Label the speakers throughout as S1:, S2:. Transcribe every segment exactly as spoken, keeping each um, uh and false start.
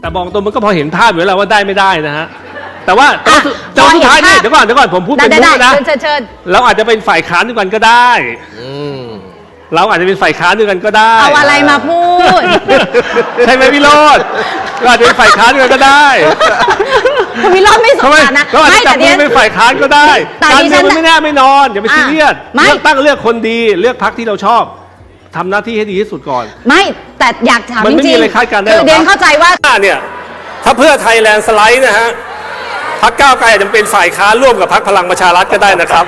S1: แต่บอกตรงมันก็พอเห็นภาพอยู่แล้วว่าได้ไม่ได้นะฮะแต่ว่าแต่ว่าสุดท้ายเนี่ยเดี๋ยวก่อนเดี๋ยวก่อนผมพูดเป็นมุกนะเราอาจจะเป็นฝ่ายค้านด้วยกันก็ได้เราอาจจะเป็นฝ่ายค้านด้วยกันก็ได้
S2: เอาอะไรมาพูด
S1: ใช่ไหมพี่โรจน์ก็อาจจะเป็นฝ่ายค้านด้วยกันก็ได้
S2: พี่โรจน์ไม่สมการนะ
S1: ก็อาจจะจับมือเป็นฝ่ายค้านก็ได้การเมืองมันไม่แน่ไม่นอนอย่าไปซีเรียสเลือกตั้งเลือกคนดีเลือกพรรคที่เราชอบทำหน้าที่ให้ดีที่สุดก่อน
S2: ไม่แต่อยากถามจริงๆ
S1: มันไม่มีอะไรคาดการณ์ได้หรอก
S2: เดียนเข้าใจว่า
S1: เนี่ยถ้าเพื่อไทยแลนด์สไลด์นะฮะพรรคก้าวไกลอาจจะเป็นฝ่ายค้านร่วมกับพรรคพลังประชารัฐก็ได้นะครับ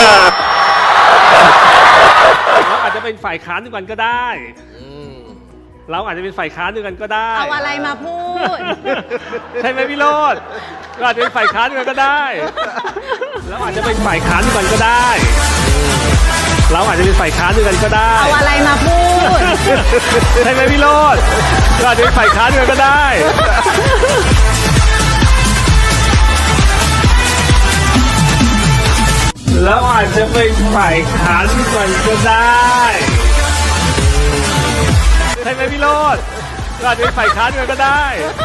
S1: เราอาจจะเป็นฝ่ายค้านด้วยกันก็ได้เราอาจจะเป็นฝ่ายค้านด้วยกันก็ได้
S2: เอาอะไรมาพูด
S1: ใช่ไหมพี่โรจน์ก็อาจจะเป็นฝ่ายค้านด้วยกันก็ได้เราอาจจะเป็นฝ่ายค้านด้วยกันก็ได้เราอาจจะเป็นฝ่ายค้านด้วยกันก็ได้
S2: เอาอะไรมาพูด
S1: ใช่ไหมพี่โรจน์ก็อาจจะเป็นฝ่ายค้านด้วยกันก็ได้แล้วอาจจะเป็นฝ่ายค้านด้วยกันก็ได้ใช่ไหมพี่โรจน์ก็อาจจะเป็นฝ่ายค้านด้วยกันก็ได้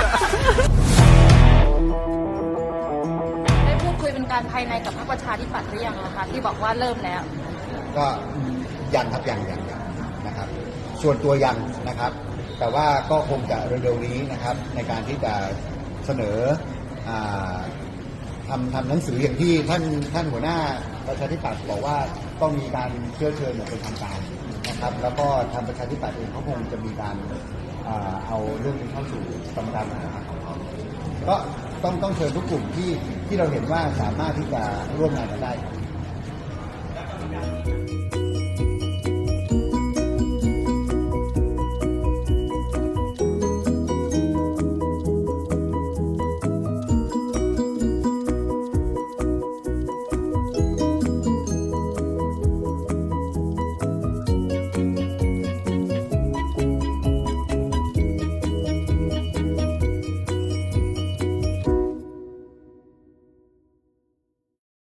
S3: ได้พูดคุยเป็นการภายในกับพรรคประชาธิปัตย์หรือยังคะที่บอกว่าเริ่มแล้ว
S4: ก็ยังครับยังยังยังนะครับส่วนตัวยังนะครับแต่ว่าก็คงจะเร็วๆนี้นะครับในการที่จะเสนอทำทำหนังสืออย่างที่ท่านท่านหัวหน้าประชาธิปัตย์บอกว่าต้องมีการเชื้อเชิญอย่างเป็นทางการนะครับแล้วก็ทางประชาธิปัตย์เองเขาคงจะมีการเอาเรื่องนี้เข้าสู่กรรมการบริหารของเขาก็ต้องต้องเชิญทุกกลุ่มที่ที่เราเห็นว่าสามารถที่จะร่วมงานกันได้